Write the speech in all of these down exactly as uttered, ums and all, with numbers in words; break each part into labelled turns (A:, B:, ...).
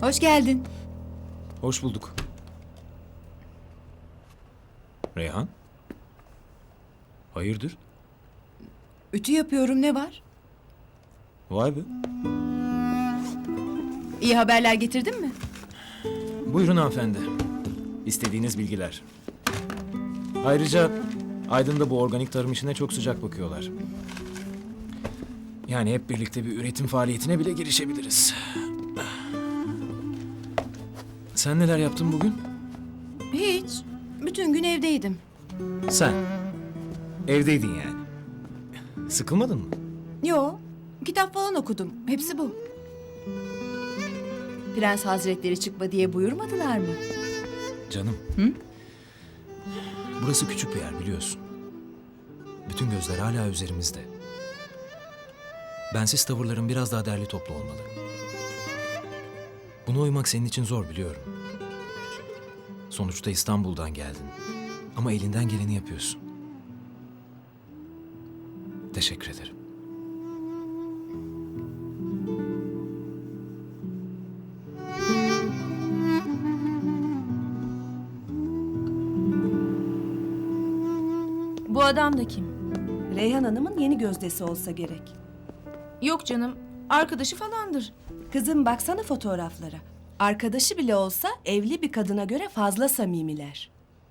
A: Hoş geldin.
B: Hoş bulduk. Reyhan? Hayırdır?
A: Ütü yapıyorum, ne var?
B: Vay be.
A: İyi haberler getirdin mi?
B: Buyurun hanımefendi. İstediğiniz bilgiler. Ayrıca Aydın'da bu organik tarım işine çok sıcak bakıyorlar. Yani hep birlikte bir üretim faaliyetine bile girişebiliriz. Sen neler yaptın bugün?
A: Hiç. Bütün gün evdeydim.
B: Sen. Evdeydin yani. Sıkılmadın mı?
A: Yo, kitap falan okudum. Hepsi bu. Prens Hazretleri çıkma diye buyurmadılar mı?
B: Canım.
A: Hı?
B: Burası küçük bir yer biliyorsun. Bütün gözler hala üzerimizde. Bensiz tavırların biraz daha derli toplu olmalı. Buna uymak senin için zor biliyorum. Sonuçta İstanbul'dan geldin. Ama elinden geleni yapıyorsun. Teşekkür ederim.
C: Bu adam da kim?
D: Reyhan Hanım'ın yeni gözdesi olsa gerek.
C: Yok canım, arkadaşı falandır.
D: Kızım baksana fotoğraflara. Arkadaşı bile olsa evli bir kadına göre fazla samimiler.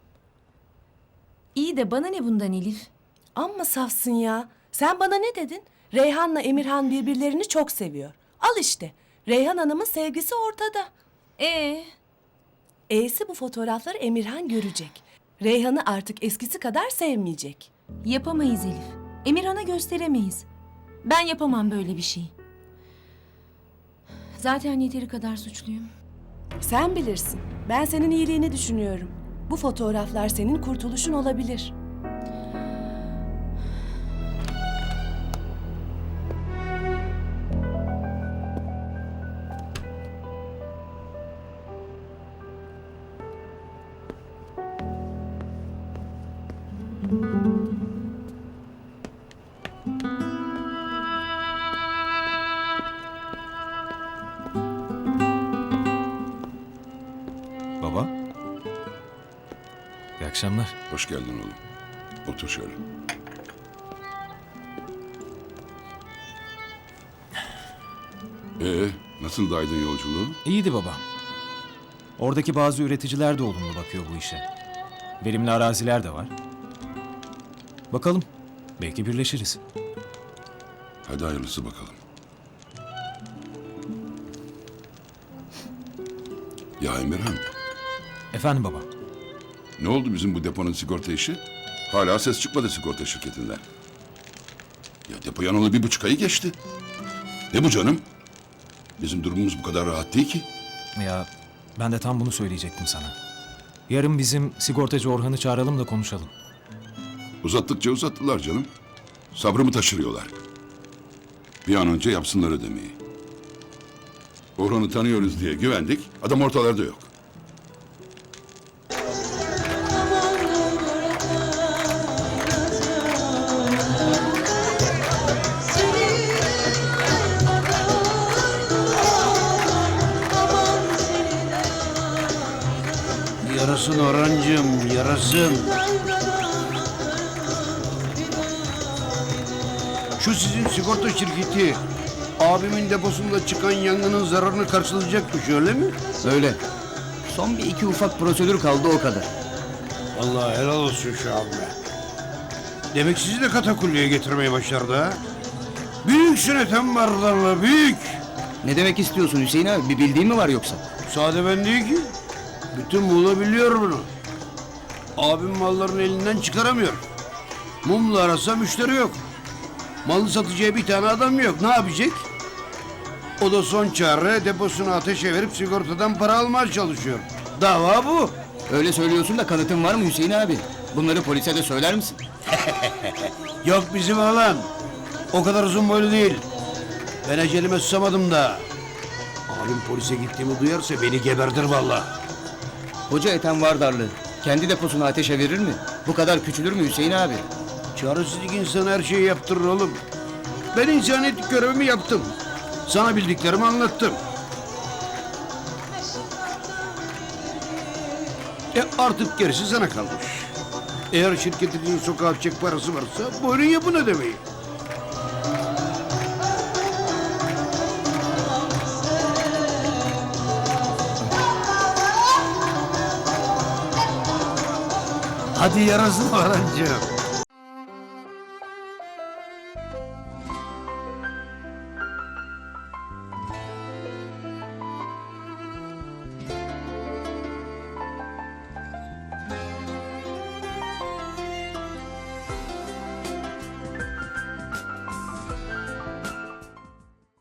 C: İyi de bana ne bundan Elif?
D: Amma safsın ya. Sen bana ne dedin? Reyhan'la Emirhan birbirlerini çok seviyor. Al işte. Reyhan Hanım'ın sevgisi ortada.
C: Ee,
D: E'si bu fotoğrafları Emirhan görecek. Reyhan'ı artık eskisi kadar sevmeyecek.
C: yapamayız Elif. Emirhan'a gösteremeyiz. Ben yapamam böyle bir şey. Zaten yeteri kadar suçluyum.
D: Sen bilirsin. Ben senin iyiliğini düşünüyorum. Bu fotoğraflar senin kurtuluşun olabilir.
B: Baba. İyi akşamlar.
E: Hoş geldin oğlum. Otur şöyle. Ee, nasıl Aydın yolculuğu?
B: İyiydi baba. Oradaki bazı üreticiler de olumlu bakıyor bu işe. Verimli araziler de var. Bakalım. Belki birleşiriz.
E: Hadi hayırlısı bakalım. Ya Emirhan,
B: Efendim baba.
E: ne oldu bizim bu deponun sigorta işi? Hala ses çıkmadı sigorta şirketinden. Ya depo yanalı bir buçuk ayı geçti. Ne bu canım? Bizim durumumuz bu kadar rahat değil ki.
B: Ya ben de tam bunu söyleyecektim sana. Yarın bizim sigortacı Orhan'ı çağıralım da konuşalım.
E: Uzattıkça uzattılar canım. Sabrımı taşırıyorlar. Bir an önce yapsınlar ödemeyi. Orhan'ı tanıyoruz diye güvendik. Adam ortalarda yok.
F: Yarasın Orhancığım, yarasın. Şu sizin sigorta şirketi abimin deposunda çıkan yangının zararını karşılayacakmış öyle mi?
G: Öyle. Son bir iki ufak prosedür kaldı o kadar.
F: Allah helal olsun şu an be. Demek sizi de katakulliye getirmeye başardı ha? Büyüksün Ethem Bardarlı, büyük.
G: Ne demek istiyorsun Hüseyin abi? Bir bildiğin mi var yoksa?
F: Sade ben değil ki. Bütün Muğla biliyor bunu. Abim mallarını elinden çıkaramıyor. Mumla arasa müşteri yok. Malı satacağı bir tane adam yok. Ne yapacak? O da son çare deposunu ateşe verip sigortadan para almaya çalışıyor. Dava bu.
G: Öyle söylüyorsun da kanıtın var mı Hüseyin abi? Bunları polise de söyler misin?
F: Yok bizim alan. O kadar uzun boylu değil. Ben ecelime susamadım da. Abim polise gittiğimi duyarsa beni geberdir vallahi.
G: Hoca Ethem Vardarlı kendi deposunu ateşe verir mi? Bu kadar küçülür mü Hüseyin abi?
F: Çaresizlik insana her şeyi yaptırır oğlum. Ben insaniyetlik görevimi yaptım. Sana bildiklerimi anlattım. E artık gerisi sana kalmış. Eğer şirketinizin sokağa atacak parası varsa buyurun yapın ödemeyi. Hadi yarasın Orhancığım.